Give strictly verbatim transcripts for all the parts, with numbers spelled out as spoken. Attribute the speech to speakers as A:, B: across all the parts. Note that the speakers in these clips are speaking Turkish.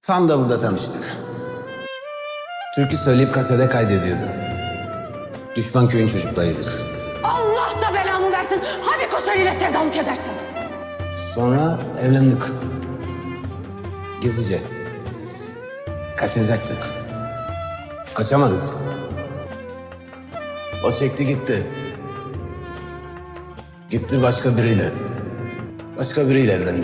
A: Tam da burada tanıştık. Türkü söyleyip kasede kaydediyordu. Düşman köyün çocuklarıydık.
B: Allah da belamı versin. Hani Koşar ile sevdalık edersin?
A: Sonra evlendik. Gizlice. Kaçacaktık. Kaçamadık. O çekti gitti. Gitti başka biriyle. Başka biriyle evlendi.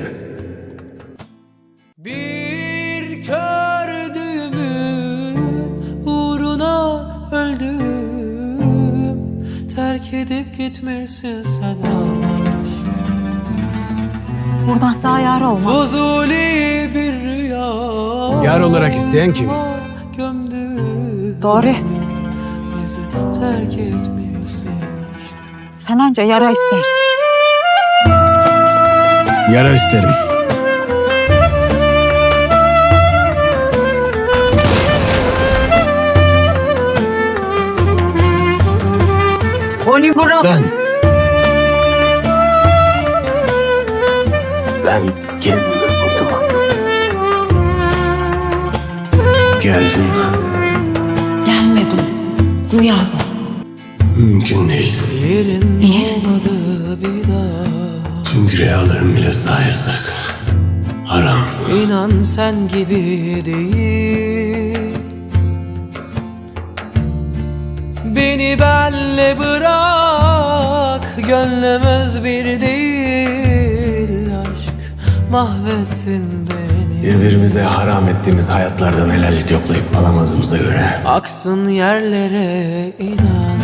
C: Bir kör düğümün uğruna öldüm. Terk edip gitmişsin sen aşk.
D: Buradan sağ yar olmaz.
C: Fuzuli bir rüya.
A: Yar olarak isteyen kim?
C: Gömdü.
D: Doğru.
C: Bizi terk etmişsin aşk.
D: Sen anca yara istersin.
A: Yara isterim.
D: Onu bırak.
A: Ben... Ben kendimi vurdum. Geldin.
D: Gelmedim. Rüya bu.
A: Mümkün değil.
C: Yerin
D: Niye?
C: olmadı bir daha.
A: Çünkü rüyalarım bile sağ yasak. Haram.
C: İnan sen gibi değil. Beni benle bırak. Gönlümüz bir değil. Aşk mahvettin beni.
A: Birbirimize haram ettiğimiz hayatlardan helallik yoklayıp alamadığımıza göre
C: Aksın yerlere inan.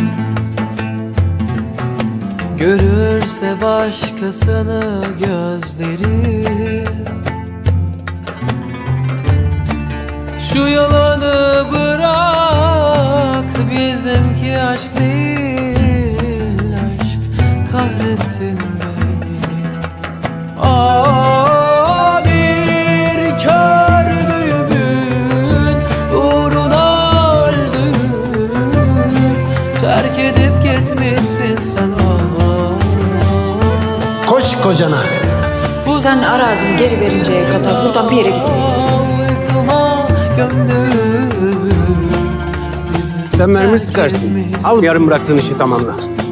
C: Görürse başkasını gözleri. Şu yalanı bırak. Bizimki aşk değil. Aşk kahrettin beni. Aa, bir kör düğümün uğruna öldüm. Terk edip gitmişsin sen.
A: koş kocana.
D: Sen arazimi geri verinceye kadar buradan bir yere gitmeyeceksin.
C: Uykuma gömdüm. Bizi
A: Sen mermi
C: terk
A: sıkarsın.
C: etmişsin.
A: Al yarım bıraktığın işi tamamla.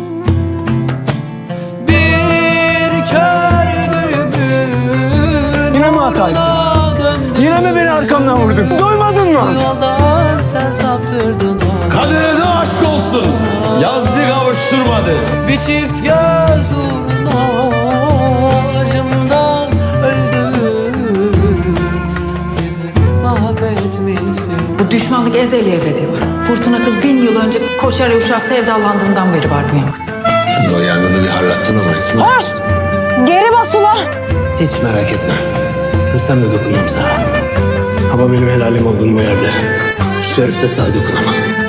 C: Bir kör düğümün
A: Yine mi hata ettin?
C: uğruna döndüm.
A: Yine mi beni arkamdan vurdun? Duymadın
C: Bu
A: mı?
C: yoldan sen saptırdın.
E: Kadere de aşk olsun. Yazdı kavuşturmadı.
C: Bir çift göz uğruna acımdan öldüm. Bizi mahvetmişsin.
D: Bu düşmanlık ezeli ebedi var. Fırtına kız bin yıl önce Koşar uşağı sevdalandığından beri var bu yankı.
A: Sen de o yangını bir harlattın ama İsmail.
D: Koş! Geri bas ulan!
A: Hiç merak etme. Sen de dokunmam sana. Ama benim helalim olduğun bu yerde şu herif de sana dokunamaz.